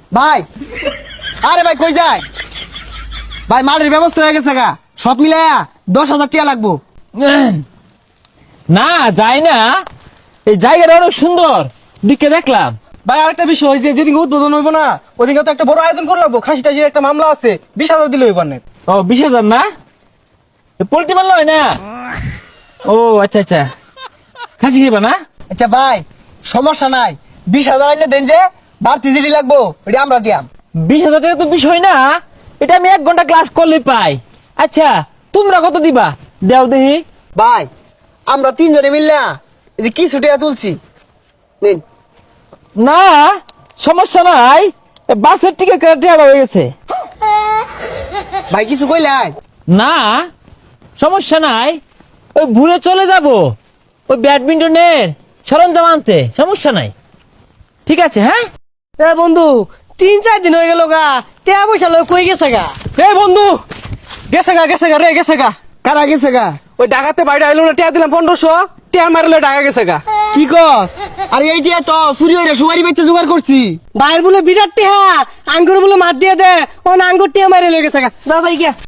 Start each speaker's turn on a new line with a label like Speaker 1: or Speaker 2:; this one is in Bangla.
Speaker 1: ভাই আরে ভাই কই যায় ভাই, মালের ব্যবস্থা হয়ে গেছে গা, সব মিলাইয়া 10,000 টাকা লাগবো।
Speaker 2: না যায় না, এই জায়গাটা অনেক সুন্দর, দিকে দেখলাম।
Speaker 3: ভাই আরেকটা বিষয়, যে যেদিন উদ্বোধন হইব না ওদিকে তো একটা বড় আয়োজন করে লাগবো। খাসি টাসির একটা মামলা আছে, 20,000 দিলে হইব না।
Speaker 2: ও 20,000 না, পোল্ট্রি মারল হয় না। ও আচ্ছা আচ্ছা, খাসি খাইবা না?
Speaker 1: আচ্ছা ভাই সমস্যা নাই, 20,000 আইলে দেন, যে বাড়তি জিডি লাগবো এটা আমরা দিয়াম।
Speaker 2: 20,000 টাকা তো বিষয় না, এটা আমি 1 ঘন্টা ক্লাস করলে পাই। আচ্ছা তোমরা কত দিবা দেও দেখি।
Speaker 1: ভাই আমরা 3 জনে মিললা এই যে কিছু টাকা তুলছি, নিন।
Speaker 2: না সমস্যা নাই, বাসের টিকিট কাটা হয়ে গেছে।
Speaker 1: ভাই কিছু কইলাই?
Speaker 2: না সমস্যা নাই, ওই ঘুরে চলে যাব ওই ব্যাডমিন্টনের সরঞ্জাম আনতে, সমস্যা নাই। ঠিক আছে হ্যাঁ।
Speaker 3: এ বন্ধু 3-4 দিন হয়ে গেল গা, টাকা পয়সা লয় কই গেছে গা? এ বন্ধু গেছে গা রে, গেছে গা।
Speaker 1: কারা গেছে গা?
Speaker 3: ওই ডাকাতে বাইরে আইলো না, টাকা দিলাম 1500, টাকা মারলে টাকা গেছে গা।
Speaker 1: কি কস? আরে এই টিয়া তো চুরি হইরা সুপারি বেচে জোগাড় করছি।
Speaker 3: বাইরে বলে বিরাট টেহা, আঙ্গুর বলে মার দিয়ে দে, ও আঙ্গুর টিয়া মারে লয়ে গেছে গা। দাদা গিয়া